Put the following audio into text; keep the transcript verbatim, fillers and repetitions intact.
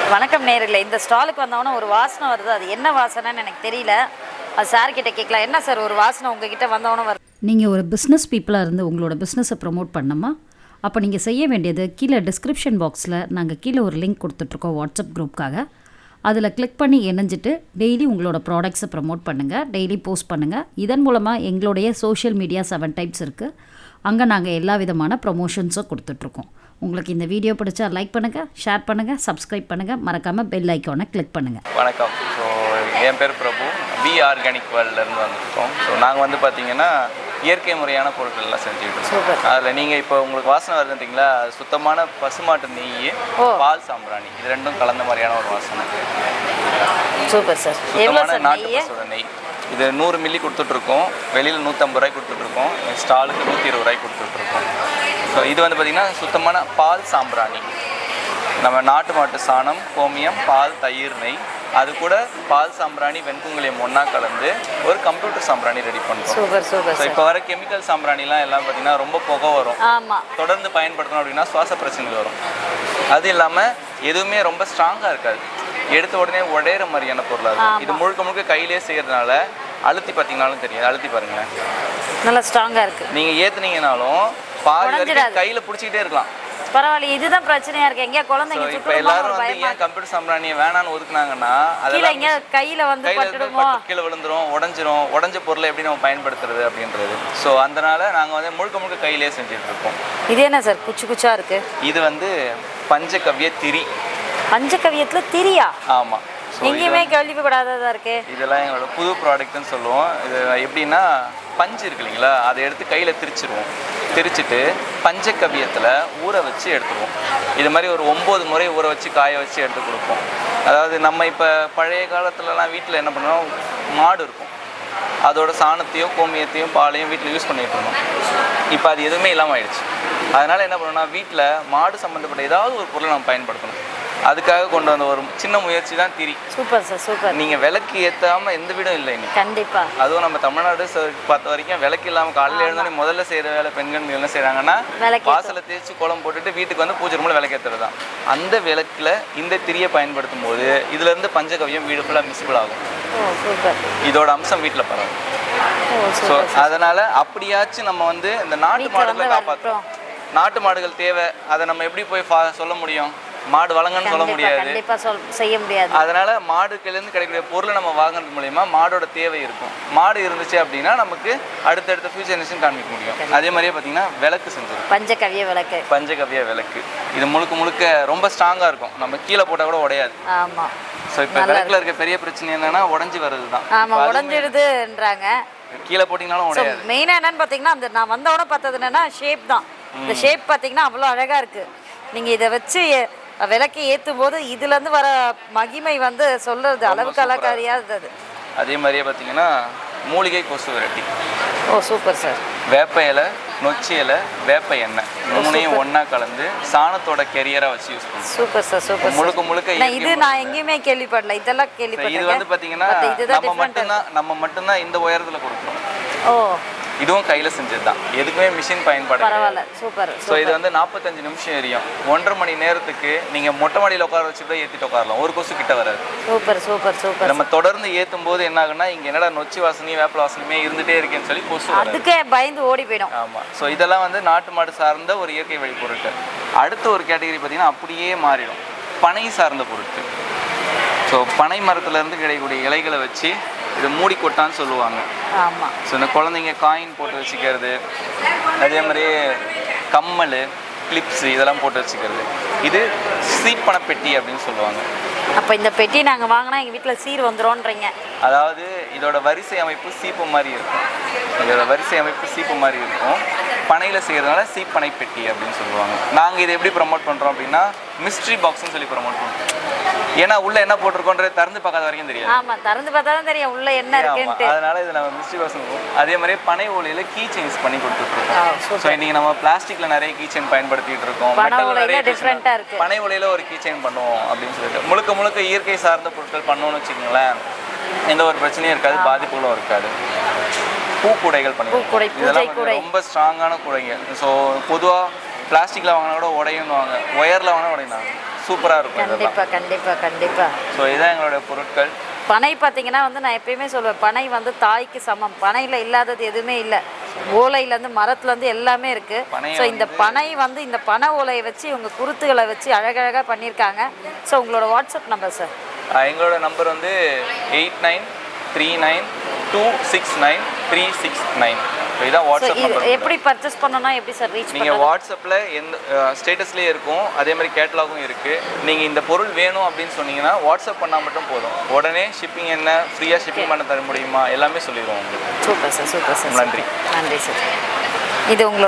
வணக்கம் நேயர்களே, இந்த ஸ்டாலுக்கு வந்தவொடனே ஒரு வாசனை வருது. அது என்ன வாசனைன்னு எனக்கு தெரியல. அது சார் கிட்ட கேட்கலாம். என்ன சார் ஒரு வாசனை உங்ககிட்ட வந்தவொடனே வருது? நீங்கள் ஒரு பிஸ்னஸ் பீப்புளாக இருந்து உங்களோட பிஸ்னஸை ப்ரமோட் பண்ணணுமா? அப்போ நீங்கள் செய்ய வேண்டியது கீழே டிஸ்கிரிப்ஷன் பாக்ஸில் நாங்கள் கீழே ஒரு லிங்க் கொடுத்துட்ருக்கோம் வாட்ஸ்அப் குரூப்காக. அதில் கிளிக் பண்ணி இணைஞ்சிட்டு டெய்லி உங்களோட ப்ராடக்ட்ஸை ப்ரமோட் பண்ணுங்கள், டெய்லி போஸ்ட் பண்ணுங்கள். இதன் மூலமாக எங்களுடைய சோஷியல் மீடியா செவன் டைப்ஸ் இருக்குது. அங்கே நாங்கள் எல்லா விதமான ப்ரொமோஷன்ஸும் கொடுத்துட்ருக்கோம். உங்களுக்கு இந்த வீடியோ பிடிச்சா லைக் பண்ணுங்கள், ஷேர் பண்ணுங்கள், சப்ஸ்கிரைப் பண்ணுங்கள், மறக்காமல் பெல் ஐக்கானை கிளிக் பண்ணுங்கள். வணக்கம். ஸோ என் பேர் பிரபு, வி ஆர்கானிக் வேர்ல்ட்லேருந்து வந்துருக்கோம். ஸோ நாங்கள் வந்து பார்த்திங்கன்னா இயற்கை முறையான பொருட்கள்லாம் செஞ்சுக்கிட்டு இருக்கோம். அதில் நீங்கள் இப்போ உங்களுக்கு வாசனை வருதுன்றீங்களா, சுத்தமான பசுமாட்டு நெய், பால் சாம்பிராணி, இது ரெண்டும் கலந்த மாதிரியான ஒரு வாசனை. Super sir. சுத்தமான நாட்டு பசுவோட நெய். இது நூறு மில்லி கொடுத்துட்ருக்கோம். வெளியில் நூற்றம்பது ரூபாய் கொடுத்துட்ருக்கோம். ஸ்டாலுக்கு நூற்றி இருபது ரூபாய் கொடுத்துட்ருக்கோம். ஸோ இது வந்து பார்த்திங்கன்னா சுத்தமான பால் சாம்பிராணி. நம்ம நாட்டு மாட்டு சாணம், கோமியம், பால், தயிர், நெய், அது கூட பால் சாம்பிராணி, வெண்குங்குளியம் ஒன்றா கலந்து ஒரு கம்ப்யூட்டர் சாம்பிராணி ரெடி பண்ணுறோம். Super super. ஸோ இப்போ வர கெமிக்கல் சாம்பிராணிலாம் எல்லாம் பார்த்திங்கன்னா ரொம்ப புகை வரும். ஆமாம். தொடர்ந்து பயன்படுத்தணும் அப்படின்னா சுவாச பிரச்சனைகள் வரும். அது இல்லாமல் எதுவுமே ரொம்ப ஸ்ட்ராங்காக இருக்காது, எடுத்த உடனே உடையிற மாதிரியான பொருளாக இருக்கும். இது முழுக்க முழுக்க கையிலே செய்கிறதுனால அழுத்தி பார்த்தீங்கன்னாலும் தெரியாது. அழுத்தி பாருங்களேன், நல்லா ஸ்ட்ராங்காக இருக்குது. நீங்கள் ஏற்றுனீங்கனாலும் பாதி வரைக்கும் கையில் பிடிச்சிக்கிட்டே இருக்கலாம். பரவாயில்ல, இதுதான் பிரச்சனையா இருக்கு. எங்கேயா குழந்தைங்க இப்போ எல்லாரும் வந்து ஏன் கம்ப்யூட்டர் சாம்பிராணியை வேணான்னு ஒதுக்குனாங்கன்னா, அதெல்லாம் கையில் வந்து கீழே விழுந்துரும், உடஞ்சிரும். உடஞ்ச பொருளை எப்படி நம்ம பயன்படுத்துறது அப்படின்றது. ஸோ அதனால நாங்கள் வந்து முழுக்க முழுக்க கையிலே செஞ்சுட்டு இருக்கோம். இது என்ன சார் குச்சி குச்சா இருக்கு? இது வந்து பஞ்சகவ்ய திரி. பஞ்சகவ்யத்துல திரியா? ஆமாம். எங்கேயுமே கேள்விப்படாததா இருக்கு. இதெல்லாம் எங்களோட புது ப்ராடக்ட்னு சொல்லுவோம். இது எப்படின்னா, பஞ்சு இருக்கு இல்லைங்களா, அதை எடுத்து கையில் திரிச்சிருவோம். திரிச்சிட்டு பஞ்சகவ்யத்தில் ஊற வச்சு எடுத்துருவோம். இது மாதிரி ஒரு ஒம்பது முறை ஊற வச்சு காய வச்சு எடுத்து கொடுப்போம். அதாவது நம்ம இப்போ பழைய காலத்துலலாம் வீட்டில் என்ன பண்ணுவோம், மாடு இருக்கும், அதோட சாணத்தையும் கோமியத்தையும் பாலையும் வீட்டில் யூஸ் பண்ணிகிட்டு இருந்தோம். இப்போ அது எதுவுமே இல்லாமல் ஆயிடுச்சு. அதனால் என்ன பண்ணணும்னா, வீட்டில் மாடு சம்மந்தப்பட்ட ஏதாவது ஒரு பொருளை நம்ம பயன்படுத்தணும். அதுக்காக கொண்டு வந்த ஒரு சின்ன முயற்சி தான் திரி. Super sir, super. நீங்கள் விளக்கு ஏற்றாமல் எந்த வீடும் இல்லை இன்னைக்கு. கண்டிப்பாக. அதுவும் நம்ம தமிழ்நாடு பார்த்த வரைக்கும் விளக்கு இல்லாமல் காலையில் எழுந்தோடனே முதல்ல செய்கிற வேலை பெண்கள் என்ன செய்கிறாங்கன்னா, வாசலை தேய்ச்சி கோலம் போட்டுட்டு வீட்டுக்கு வந்து பூஜை ரூமில் விளக்கு ஏற்றுறது தான். அந்த விளக்கில் இந்த திரியை பயன்படுத்தும் போது இதுலேருந்து பஞ்சகவ்யம் வீடு ஃபுல்லாக மிஸ்பிள் ஆகும். இதோட அம்சம் வீட்டில் பரவும். ஸோ அதனால் அப்படியாச்சும் நம்ம வந்து இந்த நாட்டு மாடுகளை காப்பாற்றுறோம். நாட்டு மாடுகள் தேவை. அதை நம்ம எப்படி போய் சொல்ல முடியும்? மாடு வழங்கன்னு சொல்ல முடியாது, செய்ய முடியாது. அதனால மாடுகளிலிருந்து கிடைக்கக்கூடிய பொருளை நம்ம வாங்குறது மூலயமா மாடோட தேவை இருக்கும். மாடு இருந்துச்சு அப்படின்னா நமக்கு அடுத்தடுத்த ஃபியூச்சர் ஜெனரேஷன் காமிக்க முடியும். அதே மாதிரியே பார்த்தீங்கன்னா விளக்கு செஞ்சிருக்கும். பஞ்சகவ்ய விளக்கு. பஞ்சகவ்ய விளக்கு இது முழுக்க முழுக்க ரொம்ப ஸ்ட்ராங்காக இருக்கும். நம்ம கீழே போட்டால் கூட உடையாது. ஆமாம். ஸோ இப்போ விளக்குல இருக்க பெரிய பிரச்சனை என்னன்னா, உடஞ்சி வர்றது தான். ஆமாம், உடஞ்சிடுதுன்றாங்க. கீழே போட்டிங்கனாலும் உடையாது. மெயினாக என்னன்னு பார்த்தீங்கன்னா, அந்த நான் வந்தோட பார்த்தது என்னன்னா ஷேப் தான். இந்த ஷேப் பார்த்தீங்கன்னா அவ்வளோ அழகாக இருக்குது. நீங்கள் இதை வச்சு விளக்கை ஏற்றும் போது இதுலேருந்து வர மகிமை வந்து சொல்கிறது அளவுக்கு அழகாரியாதது. அதே மாதிரியே பார்த்தீங்கன்னா மூலிகை கொசு விரட்டி. Oh super sir. வேப்ப இலை, நொச்சி இலை, வேப்ப எண்ணெய் மூணையும் ஒன்றா கலந்து சாணத்தோட கெரியராக வச்சு யூஸ் பண்ணுவோம். Super sir, super. முழுக்க முழுக்க இது நான் எங்கேயுமே கேள்விப்படல. இதெல்லாம் கேள்விப்பட்டேன். இது வந்து பார்த்தீங்கன்னா நம்ம மட்டும்தான் நம்ம மட்டும்தான் இந்த உயரத்தில் கொடுக்குறோம். ஓ, இதுவும் கையில் செஞ்சது தான். எதுக்குமே மிஷின் பயன்பாடு. பரவாயில்ல, சூப்பர். ஸோ இது வந்து நாற்பத்தஞ்சு நிமிஷம் எரியும். ஒன்றரை மணி நேரத்துக்கு நீங்கள் மொட்டை மாடியில் உட்கார வச்சுட்டு ஏற்றிட்டு உட்காரலாம். ஒரு கொசு கிட்ட வராது. Super super super. நம்ம தொடர்ந்து ஏற்றும் போது என்ன ஆகுன்னா, இங்கே என்னடா நொச்சி வாசனையும் வேப்ப வாசனையுமே இருந்துகிட்டே இருக்கேன்னு சொல்லி கொசு அதுக்கே பயந்து ஓடி போயிடும். ஆமாம். ஸோ இதெல்லாம் வந்து நாட்டு மாடு சார்ந்த ஒரு இயற்கை வழி பொருட்கள். அடுத்த ஒரு கேட்டகரி பார்த்தீங்கன்னா அப்படியே மாறிடும், பனை சார்ந்த பொருட்கள். ஸோ பனை மரத்துலேருந்து கிடைக்கக்கூடிய இலைகளை வச்சு இது மூடி கொட்டான்னு சொல்லுவாங்க. ஆமாம். ஸோ இந்த குழந்தைங்க காயின் போட்டு வச்சுக்கிறது, அதே மாதிரி கம்மல், கிளிப்ஸு இதெல்லாம் போட்டு வச்சுக்கிறது, இது சீப்பன பெட்டி அப்படின்னு சொல்லுவாங்க. அப்போ இந்த பெட்டி நாங்கள் வாங்கினா எங்கள் வீட்டில் சீர் வந்துடும்ன்றீங்க. அதாவது இதோட வரிசை அமைப்பு சீப்பு மாதிரி இருக்கும். இதோட வரிசை அமைப்பு சீப்பு மாதிரி இருக்கும். பனையில் செய்கிறதுனால சீப்பனை பெட்டி அப்படின்னு சொல்லுவாங்க. நாங்கள் இதை எப்படி ப்ரமோட் பண்ணுறோம் அப்படின்னா, மிஸ்ட்ரி பாக்ஸ்னு சொல்லி ப்ரமோட் பண்ணுறோம். ஏன்னா உள்ள என்ன போட்டிருக்கோன்றது திறந்து பார்க்காத வரைக்கும் தெரியாது. ஆமாம், திறந்து பார்த்தா தான் தெரியும் உள்ள என்ன இருக்குன்னு. அதனால இது நம்ம மிஸ்ட்ரி பாக்ஸ். அதே மாதிரி பனை ஓலையில கீ செயின்ஸ் பண்ணி கொடுத்துட்ருக்கோம். ஸோ இன்னைக்கு நம்ம பிளாஸ்டிக்ல நிறைய கீ செயின் பயன்படுத்திட்டு இருக்கோம். டிஃப்ரெண்ட்டாக இருக்குது. பனை ஓலையில ஒரு கீ செயின் பண்ணுவோம் அப்படின்னு சொல்லிட்டு முழுக்க முழுக்க இயற்கை சார்ந்த பொருட்கள் பண்ணோம்னு வச்சுக்கோங்களேன், எந்த ஒரு பிரச்சனையும் இருக்காது, பாதிப்புகளும் இருக்காது. பூக்கூடைகள் பண்ணி இதெல்லாம் ரொம்ப ஸ்ட்ராங்கான கூடைங்க. ஸோ பொதுவாக பிளாஸ்டிக்கில் வாங்கினா கூட உடையுன்னு வாங்க, ஒயரில் வாங்கினா உடையினாங்க. சூப்பராக இருக்கும் இதெல்லாம். கண்டிப்பாக கண்டிப்பாக கண்டிப்பாக. ஸோ இதுதான் எங்களுடைய பொருட்கள். பனை பார்த்தீங்கன்னா வந்து நான் எப்பயுமே சொல்லுவேன், பனை வந்து தாய்க்கு சமம். பனையில் இல்லாதது எதுவுமே இல்லை. ஓலையிலேருந்து மரத்துலேருந்து எல்லாமே இருக்குது. ஸோ இந்த பனை வந்து இந்த பனை ஓலையை வச்சு இவங்க குருத்துகளை வச்சு அழகழகாக பண்ணியிருக்காங்க. ஸோ உங்களோட வாட்ஸ்அப் நம்பர் சார்? எங்களோட நம்பர் வந்து eight nine three nine two six nine three six nine. இதுதான் வாட்ஸ்அப் நம்பர். எப்படி பர்ச்சேஸ் பண்ணணும்னா எப்படி சார் ரீச் பண்ணுவீங்க? நீங்கள் வாட்ஸ்அப்பில் எந்த ஸ்டேட்டஸ்லேயே இருக்கும், அதே மாதிரி கேட்டலாகும் இருக்குது. நீங்கள் இந்த பொருள் வேணும் அப்படின்னு சொன்னீங்கன்னா வாட்ஸ்அப் பண்ணால் மட்டும் போதும். உடனே ஷிப்பிங் என்ன, ஃப்ரீயாக ஷிப்பிங் பண்ண தர முடியுமா, எல்லாமே சொல்லிடுவோம் உங்களுக்கு. Super sir, super sir. நன்றி நன்றி சார். இது உங்களோட